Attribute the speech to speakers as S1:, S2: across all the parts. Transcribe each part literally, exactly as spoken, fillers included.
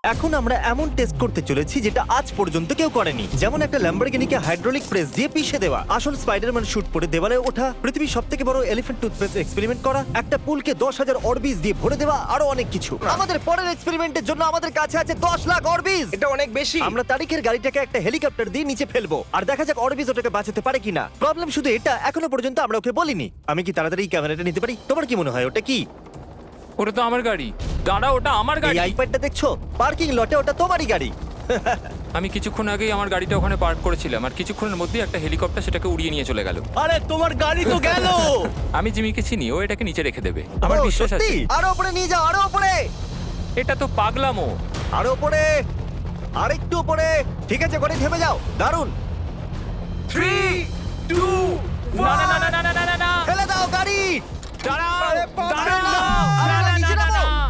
S1: এখন আমরা এমন টেস্ট করতে চলেছি যেটা আজ পর্যন্ত কেউ করেনি, যেমন একটা ল্যাম্বরগিনিকে হাইড্রোলিক প্রেস দিয়ে পিষে দেওয়া, আসল স্পাইডারম্যান শুট পরে দেওয়ালে ওঠা, পৃথিবীর সবথেকে বড় এলিফ্যান্ট টুথপেস্ট এক্সপেরিমেন্ট করা, একটা পুলকে দশ হাজার অরবিজ দিয়ে ভরে দেওয়া, আরো অনেক কিছু। আমাদের পরের এক্সপেরিমেন্টের জন্য আমাদের কাছে আছে দশ লাখ অরবিজ।
S2: এটা অনেক বেশি।
S1: আমরা তারিখের গাড়িটাকে একটা হেলিকপ্টার দিয়ে নিচে ফেলবো আর দেখা যাক অরবিজ ওটাকে বাঁচাতে পারে কিনা। প্রবলেম শুধু এটা, এখনো পর্যন্ত আমরা ওকে বলিনি। আমি কি তাড়াতাড়ি এই ক্যামেরাটা নিতে পারি? তোমার কি মনে হয় ওটা কি?
S3: ওটা তো আমার গাড়ি। দাঁড়া, ওটা আমার
S1: এই
S3: গাড়ি।
S1: আইপ্যাডটা দেখছো? পার্কিং লটে ওটা তোমারই গাড়ি।
S3: আমি কিছুক্ষণ আগেই আমার গাড়িটা ওখানে পার্ক করেছিলাম, আর কিছুক্ষণের মধ্যেই একটা হেলিকপ্টার সেটাকে উড়িয়ে নিয়ে চলে গেল।
S4: আরে তোমার গাড়ি তো গেল।
S3: আমি জিমিকে চিনি, ও এটাকে নিচে রেখে দেবে, আমার
S1: ও,
S3: বিশ্বাস আছে।
S1: সত্যি? আরো উপরে নিয়ে যাও, আরো উপরে,
S3: এটা তো পাগলামো।
S1: আরো উপরে, আরেকটু উপরে। ঠিক আছে, করে থেমে যাও। দারুণ।
S2: থ্রি টু
S3: না না না না না না না না
S1: ফেলে দাও গাড়ি।
S3: দাঁড়াও,
S2: আরে বাবা,
S3: দাঁড়াও।
S1: না, আরে
S3: না,
S1: না,
S3: না,
S1: নিচে
S3: না,
S1: নামাও।
S3: না।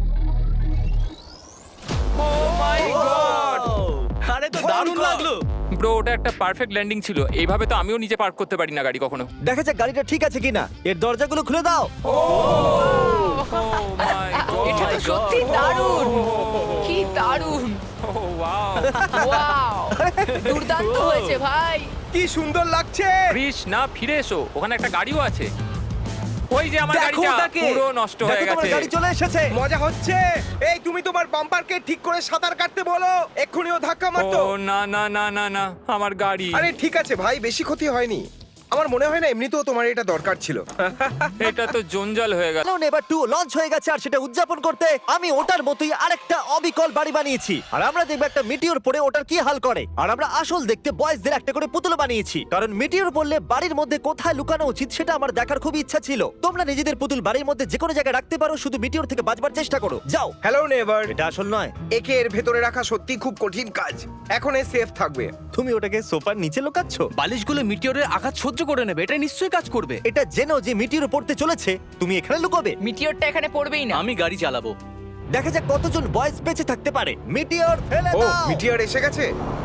S3: Oh my God!
S4: আরে তো দারুণ লাগলো।
S3: ব্রো, ওটা একটা পারফেক্ট ল্যান্ডিং ছিল। এইভাবে তো আমিও নিচে পার্ক করতে পারি না গাড়ি কখনো।
S1: দেখা যাক গাড়িটা ঠিক আছে কিনা। এর দরজাগুলো খুলে দাও।
S3: Oh my God!
S5: এটা তো সত্যি দারুণ। কি দারুণ।
S3: Oh, wow!
S5: ওয়াও, দুর্দান্ত হয়েছে ভাই।
S2: কি সুন্দর লাগছে।
S3: কৃষ, না, ফিরে এসো, ওখানে একটা গাড়িও আছে। ওই যে আমার
S2: দেখো
S3: গাড়িটা
S2: ওটাকে।
S3: পুরো নষ্ট হয়ে
S1: দেখো তোমার
S3: গেছে।
S1: গাড়ি চলে এসেছে।
S2: মজা হচ্ছে। এই তুমি তোমার বাম্পারকে ঠিক করে সাঁতার কাটতে বলো, এক্ষুনি ও ধাক্কা মারতো।
S3: ও না না না না না, আমার গাড়ি।
S2: আরে ঠিক আছে ভাই, বেশি ক্ষতি হয়নি। আমার মনে হয় না এমনিতেও তোমার এটা দরকার ছিল।
S3: এটা তো জঞ্জাল হয়ে গেল।
S1: কারণ এবার টু লঞ্চ হয়ে গেছে আর সেটা উদযাপন করতে আমি ওটার মতোই আরেকটা অবিকল বাড়ি বানিয়েছি। আর আমরা দেখব একটা মিটিওর পড়ে ওটার কি হাল করে। আর আমরা আসল দেখতে বয়েজদের একটা করে পুতুল বানিয়েছি, কারণ মিটিওর পড়লে বাড়ির মধ্যে কোথায় লুকানো উচিত সেটা আমার দেখার খুব ইচ্ছা ছিল। তোমরা নিজেদের পুতুল বাড়ির মধ্যে যে কোনো জায়গায় রাখতে পারো, শুধু মিটিওর থেকে বাঁচবার চেষ্টা করো। যাও।
S2: Hello Neighbor.
S1: এটা আসল নয়।
S2: একে এর ভেতরে রাখা সত্যি খুব কঠিন কাজ। এখন এ সেফ থাকবে।
S1: তুমি ওটাকে সোফার নিচে লুকাচ্ছ।
S4: বালিশগুলো মিটিওরের আঘাত সহ্য করে নেবে, এটা নিশ্চয়ই কাজ করবে।
S1: এটা জেনো যে মিটিওর পড়তে চলেছে, তুমি এখানে লুকাবে।
S5: মিটিওরটা এখানে পড়বেই না।
S4: আমি গাড়ি চালাবো।
S1: দেখা যাক কতজন বয়েজ বেঁচে থাকতে পারে। মিটিওর ফেলে
S2: ও
S1: দাও।
S2: মিটিয়ার এসে গেছে।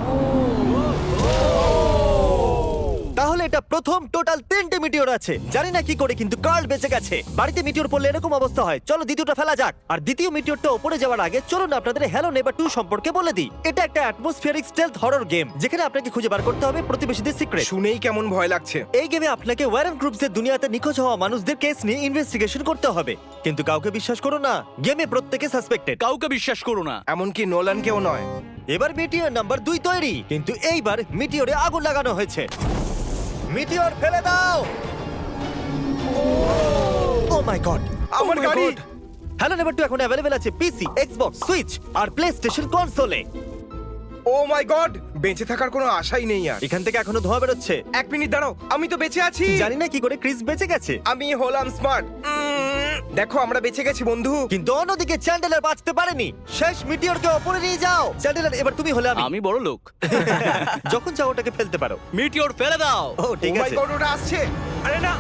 S1: তাহলে এটা প্রথম টোটাল তিনটে মিটিওর আছে। জানি না কি করে, কিন্তু কার্ল বেঁচে গেছে। বাড়িতে মিটিওর পড়লে এরকম অবস্থা হয়। চলো দ্বিতীয়টা ফেলা যাক। আর দ্বিতীয় মিটিওরটা উপরে যাওয়ার আগে চলুন আপনাদের হ্যালো নেভার টু সম্পর্কে বলে দিই। এটা একটা অ্যাটমসফিয়ারিক স্টেলথ হরর গেম, যেখানে আপনাকে খুঁজে বার করতে হবে প্রতিবেশীদের সিক্রেট।
S2: শুনেই কেমন ভয় লাগছে।
S1: এই গেমে আপনাকে ওয়ারেন গ্রুপসের দুনিয়াতে নিখোঁজ হওয়া মানুষদের কেস নিয়ে ইনভেস্টিগেশন করতে হবে। কিন্তু কাউকে বিশ্বাস করো না, গেমে প্রত্যেকে সাসপেক্টেড।
S4: কাউকে বিশ্বাস করো না।
S2: এমনকি নোলানকেও নয়।
S1: এবার মিটিওর নাম্বার দুই তৈরি, কিন্তু এইবার মিটিওরে আগুন লাগানো হয়েছে। মিটিওর ফেলে দাও। ও মাই গড,
S2: আমার গাড়ি।
S1: হ্যালো নেভার টু এখন অ্যাভেলেবেল আছে পিসি, এক্সবক্স, সুইচ আর প্লে স্টেশন কনসোলে।
S2: ও মাই গড, বেঁচে থাকার কোনো আশাই নেই আর।
S1: এখান থেকে এখনো ধোঁয়া বেরোচ্ছে।
S2: এক মিনিট দাঁড়াও, আমি তো বেঁচে আছি।
S1: জানি না কি করে ক্রিস বেঁচে গেছে,
S2: আমি হলাম স্মার্ট। দেখো আমরা বেঁচে গেছি বন্ধু।
S1: কিন্তু অন্যদিকে চ্যান্ডেলার বাঁচতে পারেনি। শেষ মিটিওরকে ওপরে নিয়ে যাও। চ্যান্ডেলার, এবার তুমি হলে আমি।
S4: আমি বড় লোক।
S1: যখন চাও ওটাকে ফেলতে পারো।
S4: মিটিওর ফেলে দাও।
S1: ও ঠিক
S2: ও মাই
S1: আছে।
S2: গড, ওটা আসছে। আরে না,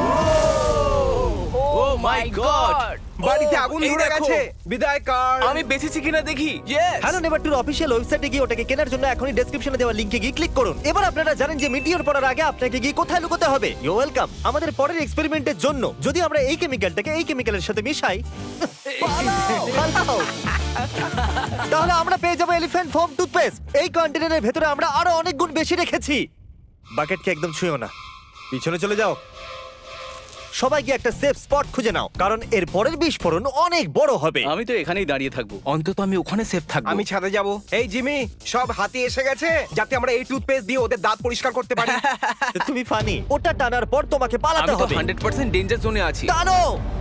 S4: ও মাই গড।
S2: বাড়িতে আগুন
S4: এই
S2: ধরে
S4: দেখো।
S2: গেছে। বিদায় কার।
S4: আমি বেঁচেছি কিনা দেখি। ইয়েস।
S1: হ্যালো নেভার টুর অফিসিয়াল ওয়েবসাইটে গিয়ে ওটাকে কেনার জন্য এখনই ডেসক্রিপশনে দেওয়া লিংকে গিয়ে ক্লিক করুন। এবার আপনারা জানেন যে মিটিওর পড়ার আগে আপনাকে গিয়ে কোথায় লুকোতে হবে। You welcome. আমাদের পরের এক্সপেরিমেন্টের জন্য যদি আমরা এই কেমিক্যালটাকে এই কেমিক্যালের সাথে মিশাই, পালাও, পালাও। তাহলে আমরা পেয়ে যাবো এলিফ্যান্ট ফোম টুথপেস্ট। এই কন্টেনারের ভেতরে আমরা আরো অনেক গুণ বেশি রেখেছি। বাকেটকে একদম ছুঁয়ো না, পিছনে চলে যাও। সবাই গিয়ে একটা সেফ স্পট খুঁজে নাও, কারণ এর পরের বিস্ফোরণ অনেক বড় হবে।
S4: আমি তো এখানেই দাঁড়িয়ে থাকবো, অন্তত আমি ওখানে সেফ থাকবো।
S2: আমি ছাদে যাব। এই জিমি, সব হাতি এসে গেছে যাতে আমরা এই টুথপেস্ট দিয়ে ওদের দাঁত পরিষ্কার করতে পারি।
S1: তুমি ফানি। ওটা টানার পর তোমাকে পালাতে
S4: আমি তো
S1: হবে।
S4: হান্ড্রেড পার্সেন্ট ডেঞ্জার জোনে আছি।
S1: টানো।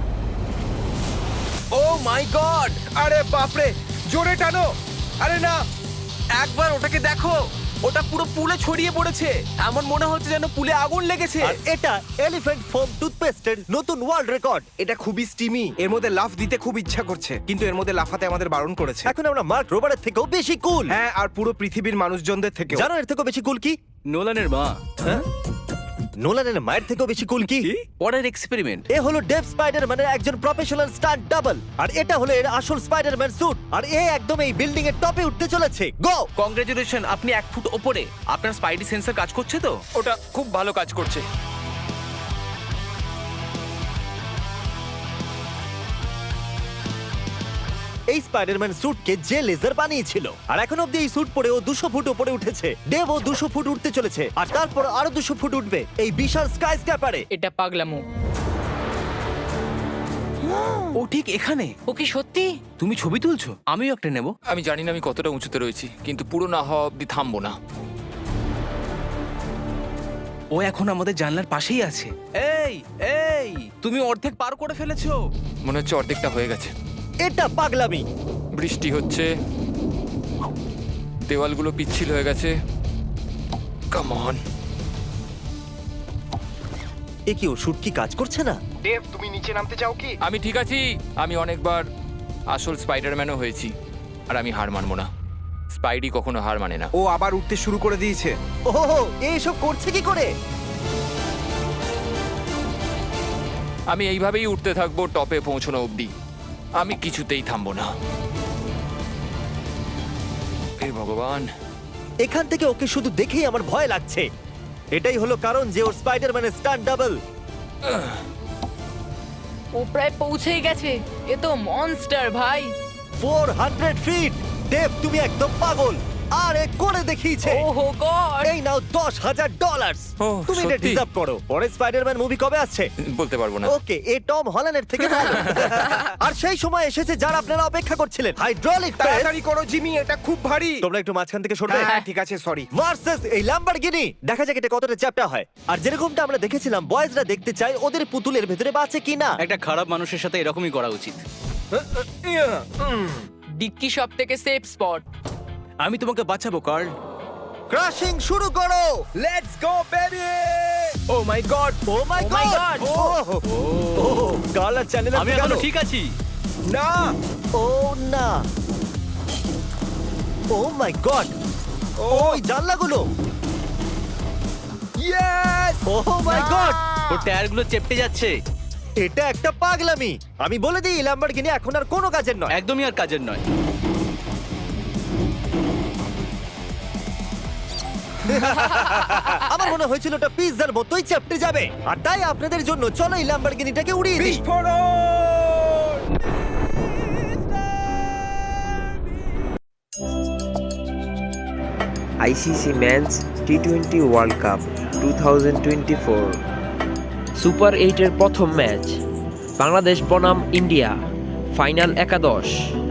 S2: ও মাই গড, আরে বাপরে, জোরে টানো। আরে না,
S4: একবার ওটাকে দেখো, ওটা পুরো পুলে ছড়িয়ে পড়েছে। এমন মনে হচ্ছে যেন পুলে আগুন লেগেছে।
S1: আর এটা এলিফ্যান্ট ফোম টুথপেস্টের নতুন ওয়ার্ল্ড রেকর্ড।
S2: এটা খুবই স্টিমি। এর মধ্যে লাফ দিতে খুব ইচ্ছা করছে, কিন্তু এর মধ্যে লাফাতে আমাদের বারণ করেছে।
S1: এখন আমরা মার্ক রোবারের থেকেও বেশি কুল।
S2: হ্যাঁ, আর পুরো পৃথিবীর মানুষজনদের থেকে।
S1: জানো এর থেকেও বেশি কুল কি?
S4: নোলানের মা।
S1: হ্যাঁ? নোলানের মায়ের থেকেও বেশি কুল কি?
S4: পরের এক্সপেরিমেন্ট।
S1: এ হলো ডেভ স্পাইডারম্যানের একজন প্রফেশনাল স্টান্ট ডাবল, আর এটা হলো এর আসল স্পাইডারম্যান স্যুট। আর এ একদম এই বিল্ডিং এর টপে উঠতে চলেছে। গো!
S4: কংগ্রেচুলেশন, আপনি এক ফুট ওপরে। আপনার স্পাইডি সেন্সর কাজ করছে তো?
S3: ওটা খুব ভালো কাজ করছে।
S1: এই স্পাইডারম্যান স্যুটকে যে লেজার বানিয়েছিল। আর এখন অব্দি এই স্যুট পরে ও দুশো ফুট উপরে উঠেছে। দেব ও দুশো ফুট উঠতে চলেছে আর তারপর আরো দুশো ফুট উঠবে এই বিশাল স্কাই স্ক্যাপারে।
S5: এটা পাগলামো।
S4: ও ঠিক এখানে।
S5: ও কি সত্যি?
S4: তুমি ছবি তুলছো? আমিও একটা নেব।
S3: আমি জানি না আমি কতটা উঁচুতে রয়েছি, কিন্তু পুরো না হওয়া অব্দি থামবো না।
S4: ও এখন আমাদের জানলার পাশেই আছে। এই এই তুমি অর্ধেক পার করে ফেলেছো।
S3: মনে হচ্ছে অর্ধেকটা হয়ে গেছে।
S1: এটা পাগলামি।
S3: বৃষ্টি হচ্ছে, দেওয়ালগুলো পিচ্ছিল হয়ে গেছে। Come on.
S1: এ কি, ও শুট কি কাজ করছে না?
S2: দেব, তুমি নিচে নামতে চাও কি?
S3: আমি ঠিক আছি। আমি অনেকবার আসল স্পাইডারম্যানও হয়েছি, আর আমি হার মানবো না। স্পাইডি কখনো হার মানে না।
S2: ও আবার উঠতে শুরু করে দিয়েছে।
S1: ওহো, এইসব করছে কি করে?
S3: আমি এইভাবেই উঠতে থাকবো টপে পৌঁছানো অবধি। আমি কিছুতেই থামবো না। হে ভগবান।
S1: এখান থেকে ওকে শুধু দেখেই আমার ভয় লাগছে। এটাই হলো কারণ যে ওর স্পাইডারম্যানের স্টান্ট ডাবল।
S5: ও প্রায় পৌঁছেই গেছে। এ তো মনস্টার ভাই।
S1: Four hundred feet. দেব, তুমি একদম পাগল। আর এ করে দেখিয়েছে।
S5: ওহো গড।
S1: এই নাও দশ হাজার ডলার।
S3: ও,
S1: তুমি এটা
S3: সত্যি?
S1: ডিজার্ভ করো। পরে স্পাইডারম্যান মুভি কবে আসছে?
S3: বলতে পারবো না।
S1: ওকে, এ টম হল্যান্ডের থেকে ভালো। আর সেই সময় এসেছে যার আপনারা অপেক্ষা করছিলেন, হাইড্রোলিক প্রেস।
S2: তাড়াতাড়ি করো জিমি, এটা খুব ভারী।
S1: তোমরা একটু মাঝখান থেকে সরবে।
S2: হ্যাঁ ঠিক আছে, সরি।
S1: ভার্সেস এই ল্যাম্বরগিনি। দেখা যাক এটা কতটা চ্যাপ্টা হয়। আর যেরকমটা আমরা দেখেছিলাম, বয়েজরা দেখতে চায় ওদের পুতুলের ভেতরে বাঁচে কিনা।
S6: একটা খারাপ মানুষের সাথে এরকমই করা উচিত।
S5: ডিক্কি সব থেকে সেফ স্পট।
S4: আমি তোমাকে বাঁচাবো কার্ল।
S1: ক্রাশিং শুরু করো।
S2: Let's go baby. Oh my God.
S1: Oh my
S5: Oh my
S1: God.
S5: God!
S1: ও কালার চ্যানেল
S6: আমি এখনো ঠিক আছি।
S2: না।
S1: ও না। Oh my God. ওই জানলাগুলো।
S2: ইয়েস।
S1: O my god.
S6: ওর টায়ারগুলো চেপটে যাচ্ছে।
S1: এটা একটা পাগলামি। আমি বলে দিই, ল্যাম্বরগিনি এখন আর কোনো কাজের নয়।
S6: একদমই আর কাজের নয়।
S1: আমার মনে হয়েছিল ওটা পিৎজার মতোই চেপটে যাবে। আর তাই আপনাদের জন্য চলো এই ল্যাম্বরগিনিটাকে উড়িয়ে দিই।
S2: বিস্ফোরণ।
S7: I C C Men's T twenty World Cup two thousand twenty four super এইটের প্রথম ম্যাচ বাংলাদেশ বনাম ইন্ডিয়া ফাইনাল একাদশ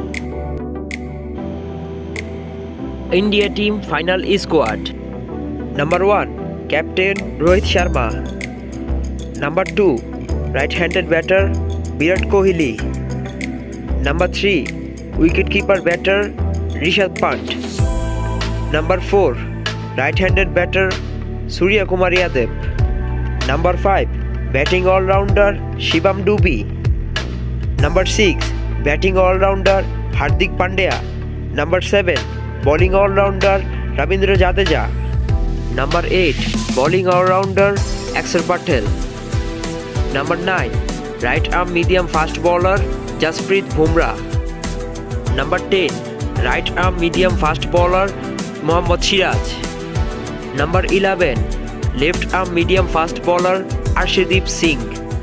S7: India team final squad number one captain Rohit Sharma number two right handed batter Virat Kohli number three wicket keeper batter Rishabh Pant Number four, right-handed batter Surya Kumar Yadav. Number five, batting all-rounder Shivam Dube. Number six, batting all-rounder Hardik Pandya. Number seven, bowling all-rounder Ravindra Jadeja. Number eight, bowling all-rounder Axar Patel. Number nine, right-arm medium-fast bowler Jasprit Bumrah. Number ten, right-arm medium-fast bowler Mohammad Siraj. Number eleven, left arm medium fast bowler Arshdeep Singh.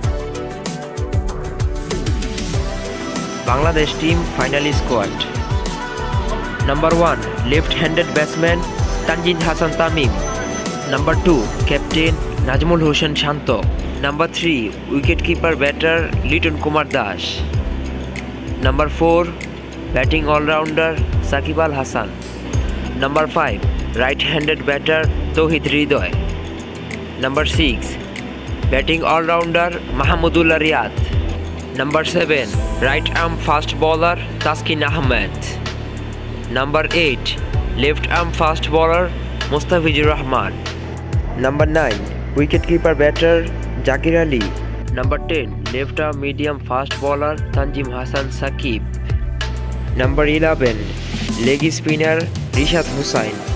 S7: Bangladesh team final squad. Number one, left-handed batsman Tanjin Hassan Tamim. Number two, captain Najmul Hossain Shanto. Number three, wicket-keeper batter Liton Kumar Das. Number four, batting all-rounder Sakib Al Hasan. Number five, right-handed batter Tauhid Hridoy. Number six, batting all-rounder Mahmudullah Riyad. Number seven, right-arm fast bowler Taskin Ahmed. Number eight, left-arm fast bowler Mustafizur Rahman. Number nine, wicket-keeper batter Zakir Ali. Number ten, left-arm medium fast bowler Tanjim Hassan Sakib. Number eleven, leg spinner Rishad Hussain.